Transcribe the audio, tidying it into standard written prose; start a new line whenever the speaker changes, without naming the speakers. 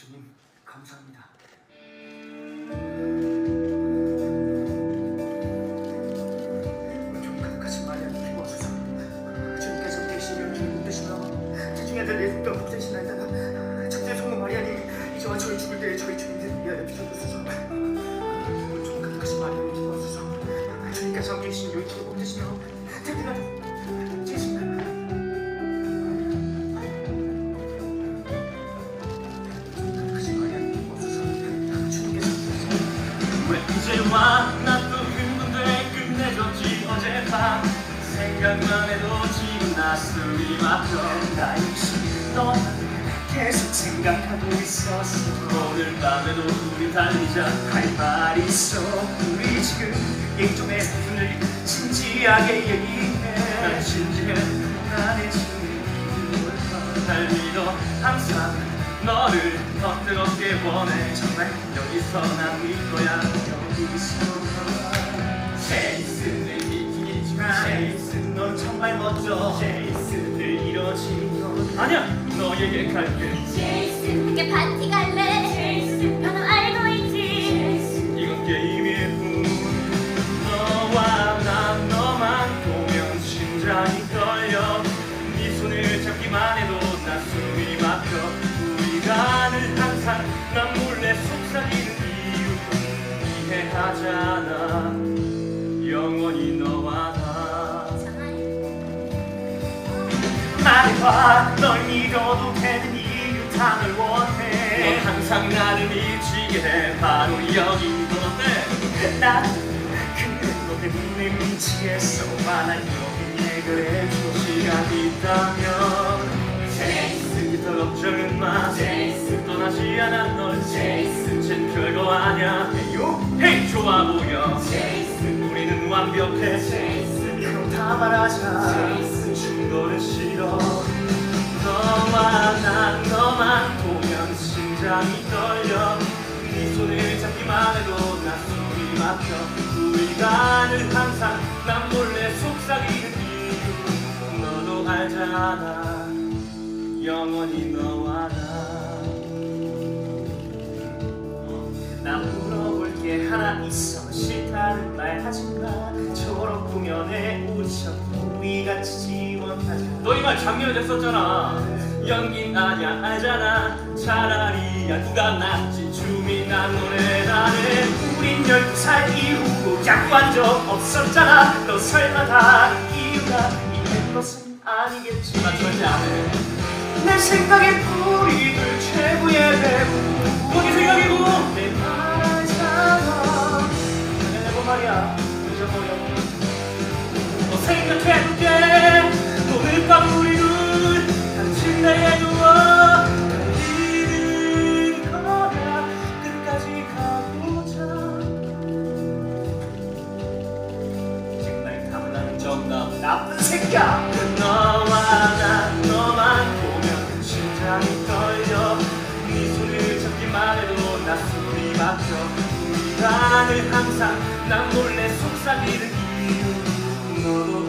주님 감사합니다. 좀 가득하신 마리아님 도와주소서. 주님께서 계신 연주를 붙드시며 주중에 들 예수님과 복되신 날다가 첫째 성모 마리아님 이제와 저희 죽을 때에 저희 주님들 위하여 비춰주소서. 좀 가득하신 마리아님 도와주소서. 주님께서 계신 연주를 붙드시며 특히나 계신
이제와 나 또 흥분돼 끝내줬지 어젯밤 생각만 해도 지금 가슴이 막혀
나 역시 너만 계속 생각하고 있었어.
오늘 밤에도 우리 달리자
할 말 있어. 우리 지금 예정의 부분을 진지하게 얘기해.
난 진지해
나의 주님
날 믿어 항상 너를 더 뜨겁게 원해
정말
여기서 난 믿거야
여기서
제이슨을 믿긴 했지만
제이슨 넌 정말 멋져.
제이슨을 이뤄진 건 아니야 너에게 갈게
제이슨 함께 파티 갈래. 제이슨 너도 알고 있지.
이건 게임일 뿐 너와 난 너만 보면 심장이 떨려 네 손을 잡기만 해도 나 숨이 막혀 우리가 늘 항상 난 몰래 속삭이는 이유 이해하잖아 영원히 너와 나
말해봐. 널 믿어도 되는 이유 다 널 원해.
넌 항상 나를 미치게 해 바로 여긴 넌 어때?
나도 그래 너 때문에 미치겠어. 난 여기 해결해줘.
시간 있다면 제이슨 더 걱정은 마
제이슨
떠나지 않아 널
제이슨
쟨 별거 아냐
요
헤이 좋아 보여
제이슨
우리는 완벽해
제이슨
그럼 다 말하자.
제이슨 충돌은 싫어 너와 난 너만 보면 심장이 떨려 네 손을 잡기만 해도 나 숨이 막혀 우리가 늘 항상 난 몰래 속삭이는 이유 너도 알잖아 영원히 너와
나 물어볼 게 하나 있어. 싫다는 말 하지마. 졸업 공연에 오디션 우리 같이 지원하자.
너 이 말 작년에 했었잖아 연긴 아냐 알잖아 차라리 야 누가 낫지 춤이 난 노래 나네
우린 12살 이후로 야구한 적 없었잖아. 너 설마 다 이유가 있는 것은 아니겠지.
나 절대 안해
내 생각엔 우리들 최고의 배우.
거기 생각이고
내 말잖아. 내고 말이야 잊어버려.
너 생각해볼게 오늘 밤 우리 둘 당신 나에 누워
달리는 거야. 끝까지 가보자. 정말 탐나는
정답
나쁜 새끼야.
너와 난 너만 보면 심장이 떨려 네 손을 잡기만 해도 나 숨이 막혀 우리가 늘 항상 난 몰래 속삭이는 이유 너도